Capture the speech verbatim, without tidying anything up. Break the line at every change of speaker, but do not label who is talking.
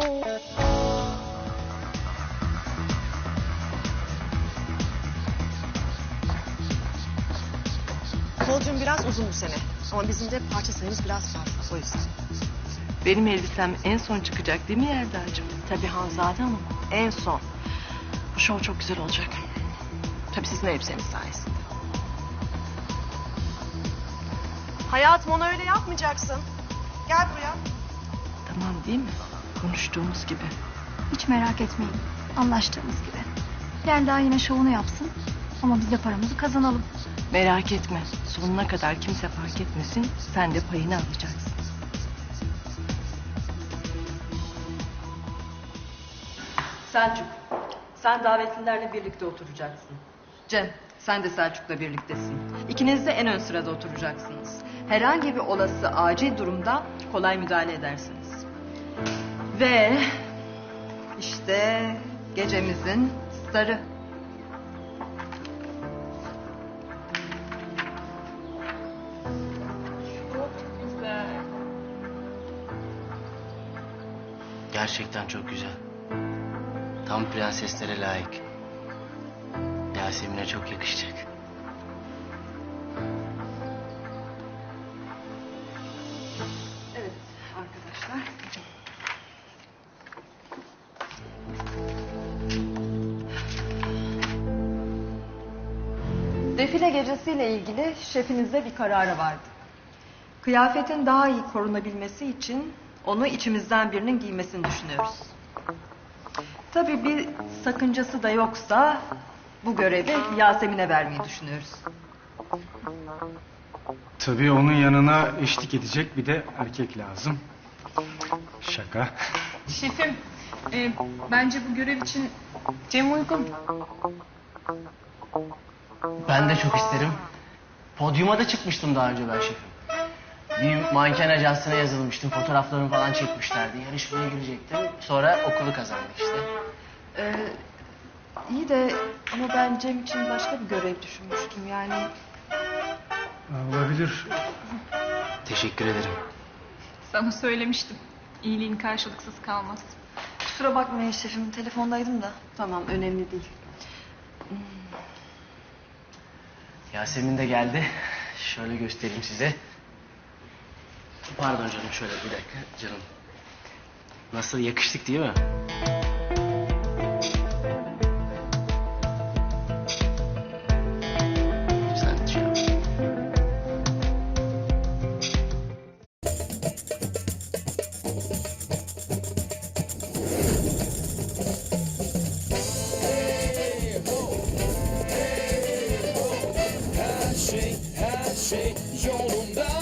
Podyum biraz uzun bu sene. Ama bizim de parça sayımız biraz fazla. O yüzden.
Benim elbisem en son çıkacak değil mi Yelda'cığım?
Tabii Hanzade Hanım. En son. Bu şov çok güzel olacak. Tabii sizin elbiseniz sayesinde. Hayatım, onu öyle yapmayacaksın. Gel buraya.
Tamam değil mi? Konuştuğumuz gibi.
Hiç merak etmeyin. Anlaştığımız gibi. Yelda yine şovunu yapsın. Ama biz de paramızı kazanalım.
Merak etme. Sonuna kadar kimse fark etmesin. Sen de payını alacaksın. Selçuk, sen davetlilerle birlikte oturacaksın. Cem, sen de Selçuk'la birliktesin. İkiniz de en ön sırada oturacaksınız. Herhangi bir olası acil durumda kolay müdahale edersiniz. Ve işte gecemizin starı.
Gerçekten çok güzel. Tam prenseslere layık. Yasemin'e çok yakışacak.
Evet arkadaşlar. Defile gecesiyle ilgili şefinizde bir kararı vardı. Kıyafetin daha iyi korunabilmesi için onu içimizden birinin giymesini düşünüyoruz. Tabii bir sakıncası da yoksa bu görevi Yasemin'e vermeyi düşünüyoruz.
Tabii onun yanına eşlik edecek bir de erkek lazım. Şaka.
Şefim, e, bence bu görev için Cem uygun.
Ben de çok isterim. Podyuma da çıkmıştım daha önce ben şefim. Bir manken ajansına yazılmıştım. Fotoğraflarımı falan çekmişlerdi. Yarışmaya girecektim. Sonra okulu kazandık işte.
Ee, iyi de ama ben Cem için başka bir görev düşünmüştüm yani.
Olabilir.
Teşekkür ederim.
Sana söylemiştim. İyiliğin karşılıksız kalmaz.
Kusura bakmayın şefim. Telefondaydım da.
Tamam, önemli değil.
Yasemin de geldi. Şöyle göstereyim size. Pardon canım, şöyle bir dakika canım. Nasıl, yakıştık değil mi? Sen şey yap.
Her şey, her şey yolunda.